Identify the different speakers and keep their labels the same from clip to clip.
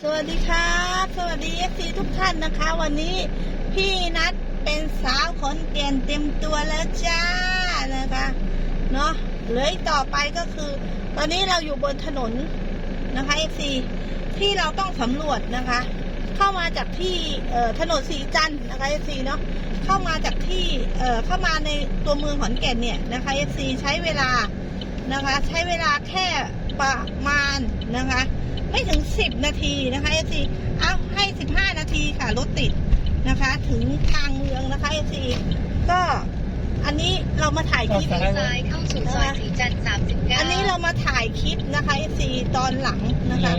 Speaker 1: สวัสดีครับสวัสดีFCทุกท่านนะคะวันนี้พี่นัดเป็นสาวขอนแก่นเต็มตัวแล้วจ้านะคะเนาะเลยต่อไปก็คือตอนนี้เราอยู่บนถนนนะคะ FC ที่เราต้องสำรวจนะคะเข้ามาจากที่ถนนสีจันทร์นะคะ FC เนาะเข้ามาจากที่เข้ามาในตัวเมืองขอนแก่นเนี่ยนะคะ FC ใช้เวลานะคะใช้เวลาแค่ประมาณนะคะไม่ถึง10นาทีนะคะ FC เอาให้15นาทีค่ะรถติดนะคะถึงทางเมืองนะคะ FC ก็อันนี้เรามาถ่ายคลิป
Speaker 2: ซ้ายเข้าสู่ซอยสีจันทร์39
Speaker 1: อันนี้เรามาถ่ายคลิปนะคะ FC ตอนหลังนะคะ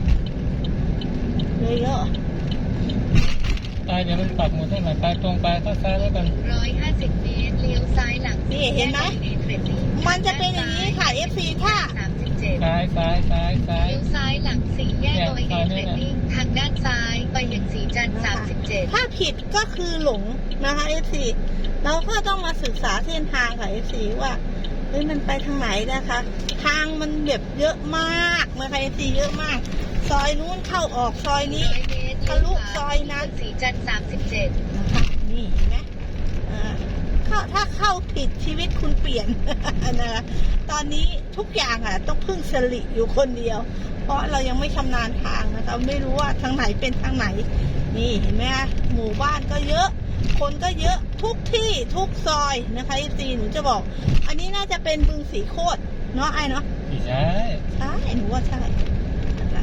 Speaker 1: เลยเยอะ
Speaker 3: ไปเดี๋ยวมันปักหมุดให้หน่อยไปตรงไปเข้าซ้ายแล้วกัน
Speaker 2: 150 เมตรเลี้ยวซ้ายหลัง
Speaker 1: นี่เห็นไหมมันจะเป็นอย่างนี้ค่ะ FC ถ้า
Speaker 3: ซ้าย
Speaker 2: เลี้ยวซ้ายหลังสี่แยกโดยเอเทรดดิ้งทางด้านซ้ายไปยังสีจันทร์37
Speaker 1: ถ้าผิดก็คือหลงนะคะ FC เราก็ต้องมาศึกษาเส้นทางค่ะ FC ว่าเฮ้ยมันไปทางไหนนะคะทางมันแบบเยอะมากนะคะ FC เยอะมากซอยนู้นเข้าออกซอยนี้ทะลุซอยนั้น
Speaker 2: สีจันทร์37
Speaker 1: นะคะนี่เห็นไหมถ้าเข้าผิดชีวิตคุณเปลี่ยนนะคะตอนนี้ทุกอย่างอ่ะต้องพึ่งสลิอยู่คนเดียวเพราะเรายังไม่ชำนาญทางนะคะไม่รู้ว่าทางไหนเป็นทางไหนนี่เห็นไหมคะหมู่บ้านก็เยอะคนก็เยอะทุกที่ทุกซอยนะคะจีหนูจะบอกอันนี้น่าจะเป็นบึงสีโคตรเนาะไอ้เนาะ
Speaker 3: ใช่
Speaker 1: หนูว่าใช่นะคะ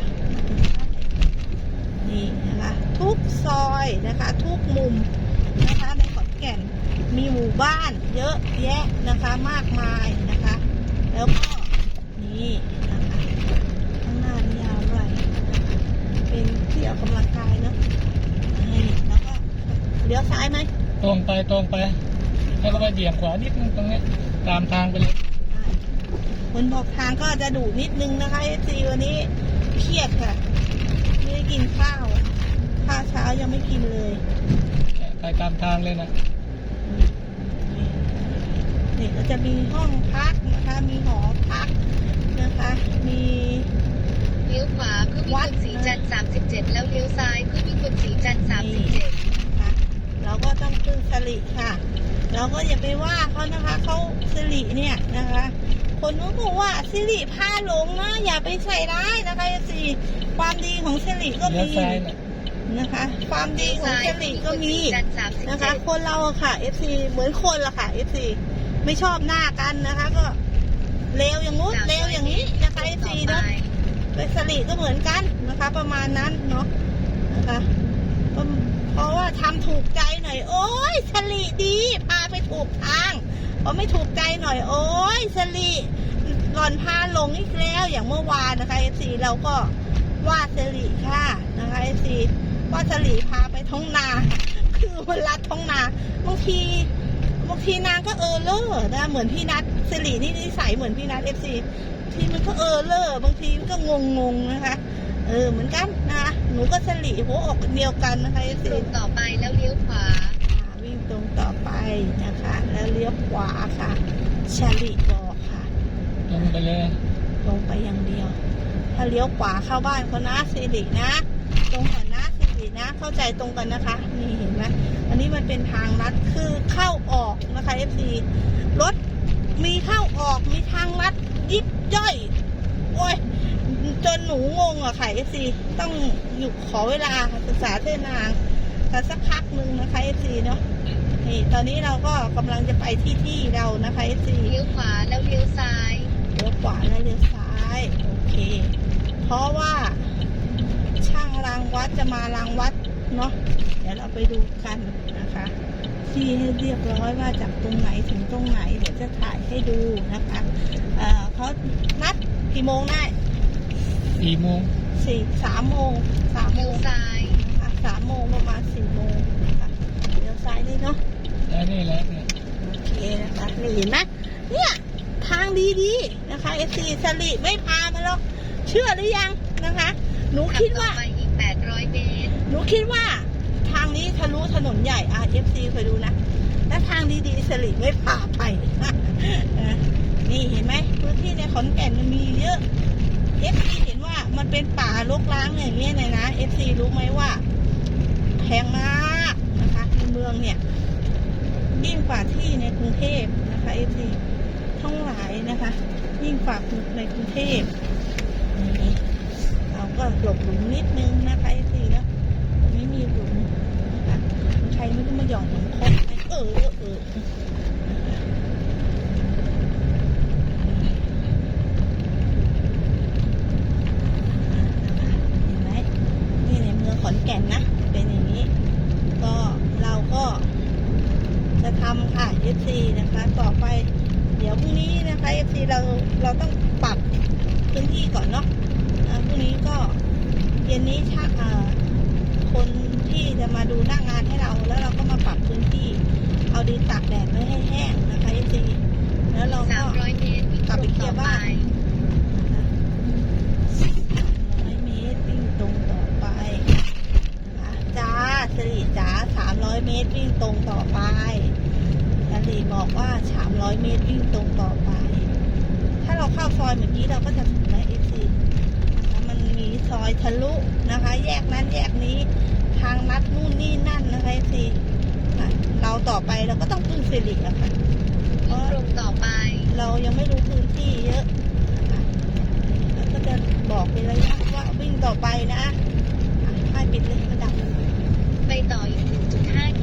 Speaker 1: นี่นะคะทุกซอยนะคะทุกมุมนะคะในขอนแก่นมีหมู่บ้านเยอะแยะนะคะมากมายนะคะแล้วก็นี่นะคะข้างหน้านี่ยาวด้วยนะคะเป็นที่ออกกำลังกายเนาะนี่แล้วก็เลี้ยวซ้ายไหม
Speaker 3: ตรงไปให้เราไปเบี่ยงขวานิดนึงตรงนี้ตามทางไปเลย
Speaker 1: คนบอกทางก็จะดุนิดนึงนะคะจีวันนี้เครียดค่ะไม่ได้กินข้าวเช้ายังไม่กินเลย
Speaker 3: ไปตามทางเลยนะ
Speaker 1: นี่ก็จะมีห้องพักนะคะมีหอพักนะคะมี
Speaker 2: เลี้ยวขวาเพื่อมีคนสีจันทร์37แล้วเลี้ยวซ้ายเพื่อมีคนสีจันทร์37
Speaker 1: ค่ะเราก็ต้องพึ่งสลิค่ะเราก็อย่าไปว่าเขานะคะเขาสลิเนี่ยนะคะคนนู้นบอกว่าสิริพาหลงนะอย่าไปใส่ร้ายนะคะสิความดีของสิริก็มีนะคะความดีของสิริก็มีนะคะคนเราค่ะ FC เหมือนคนละค่ะ FC ไม่ชอบหน้ากันนะคะก็เลวอย่างงู้นเลวอย่างนี้นะคะ FC เนาะเป็นสิริก็เหมือนกันนะคะประมาณนั้นเนาะนะคะเพราะว่าทำถูกใจหน่อยโอ้ยสิริดีพาไปถูกทางพอไม่ถูกใจหน่อยโอ้ยสลีหล่อนพาลงอีกแล้วอย่างเมื่อวานนะคะ FC เราก็ว่าสลีค่ะนะคะ FC ว่าสลีพาไปท้องนาคือมันลัดท้องนาบางทีนางก็เลอร์นะเหมือนพี่นัทสลีนี่นิสัยเหมือนพี่นัท FC ที่มันก็เลอร์บางทีมันก็งงนะคะเหมือนกันนะหนูก็สลีหัวอกเดียวกันนะคะ FC
Speaker 2: ตรงต่อไปแล้วเลี้ยวขวา
Speaker 1: วิ่งตรงต่อไปนะคะแล้วเลี้ยวขวาค่ะชลิบอกค่ะ
Speaker 3: ตรงไปเลย
Speaker 1: ลงไปอย่างเดียวถ้าเลี้ยวขวาเข้าบ้านเขานะสิรินะตรงกันนะสิรินะเข้าใจตรงกันนะคะนี่เห็นไหมอันนี้มันเป็นทางลัดคือเข้าออกนะคะ FC รถมีเข้าออกมีทางลัดยิบย่อยโอ้ยจนหนูงงอะค่ะ FC ต้องอยู่ขอเวลาศึกษาเส้นทางสักพักหนึ่งนะคะ FC เนาะนี่ตอนนี้เราก็กำลังจะไปที่เรานะคะ FC
Speaker 2: เลี้ยวขวาแล้วเลี้ยวซ้าย
Speaker 1: เลี้ยวขวาแล้วเลี้ยวซ้ายโอเคเพราะว่าช่างรางวัดจะมารางวัดเนาะเดี๋ยวเราไปดูกันนะคะที่ให้เรียบร้อยว่าจากตรงไหนถึงตรงไหนเดี๋ยวจะถ่ายให้ดูนะคะเขานัดกี่โมงได้
Speaker 3: 3 โมง
Speaker 1: 3 โมง
Speaker 2: เลี้ยวซ้าย
Speaker 1: 3 โมงประมาณ4 โมงนะคะเลี้ยวซ้ายนี่เนาะ
Speaker 3: นี่แหละ
Speaker 1: โอเคนะคะนี่เห็นไหมเนี่ยทางดีๆนะคะ FC สลิไม่พามาหรอกเชื่อหรือยังนะคะหนูคิดว่า
Speaker 2: อีก800 เมตร
Speaker 1: หนูคิดว่าทางนี้ทะลุถนนใหญ่FC เคยดูนะและทางดีๆสลิไม่พาไปนี่เห็นไหมพื้นที่ในขอนแก่นมันมีเยอะ FC เห็นว่ามันเป็นป่ารกร้างอย่างเงี้ยนะรู้ไหมว่าแพงมากนะคะในเมืองเนี่ยยิ่งกว่าที่ในกรุงเทพนะคะเอฟซีทั้งหลายนะคะยิ่งกว่าในกรุงเทพนี่เราก็หลบหลุมนิดนึงนะคะเอฟซีนะตรงนี้มีหลุมนะคะใครไม่รู้มาหย่อนหลุมคดไหมเห็นไหมนี่ในเมืองขอนแก่นนะเป็นอย่างนี้ก็เราก็จะทำค่ะ FC นะคะต่อไปเดี๋ยวพรุ่งนี้นะคะ FC เราต้องปรับพื้นที่ก่อนเนาะพรุ่งนี้ก็เย็นนี้คนที่จะมาดูหน้างานให้เราแล้วเราก็มาปรับพื้นที่เอาดินตากแดดไว้ให้แห้งนะคะ FC แล้วเราก็
Speaker 2: 300 เมตรวิ่ง
Speaker 1: กลับ
Speaker 2: ต
Speaker 1: ไป
Speaker 2: รง
Speaker 1: เคลี
Speaker 2: ต่
Speaker 1: ย
Speaker 2: อ
Speaker 1: ร์
Speaker 2: ไป
Speaker 1: บ้าน300 เมตรวิ่งตรงต่อไปจ้าสิริจ๋า300 เมตรวิ่งตรงต่อไปสิริบอกว่า300 เมตรวิ่งตรงต่อไปถ้าเราเข้าซอยเมื่อกี้เราก็จะถึงนะ FC นะคะมันมีซอยทะลุนะคะแยกนั้นแยกนี้ทางลัดนู่นนี่นั่นนะคะ FC เราต่อไปเราก็ต้องพึ่งสิริอะค่ะเพ
Speaker 2: วิ่ง
Speaker 1: ราะ
Speaker 2: ตรงต่อไป
Speaker 1: เรายังไม่รู้พื้นที่เยอะนะคะแล้วก็จะบอกเป็นระยะว่าวิ่งต่อไปนะ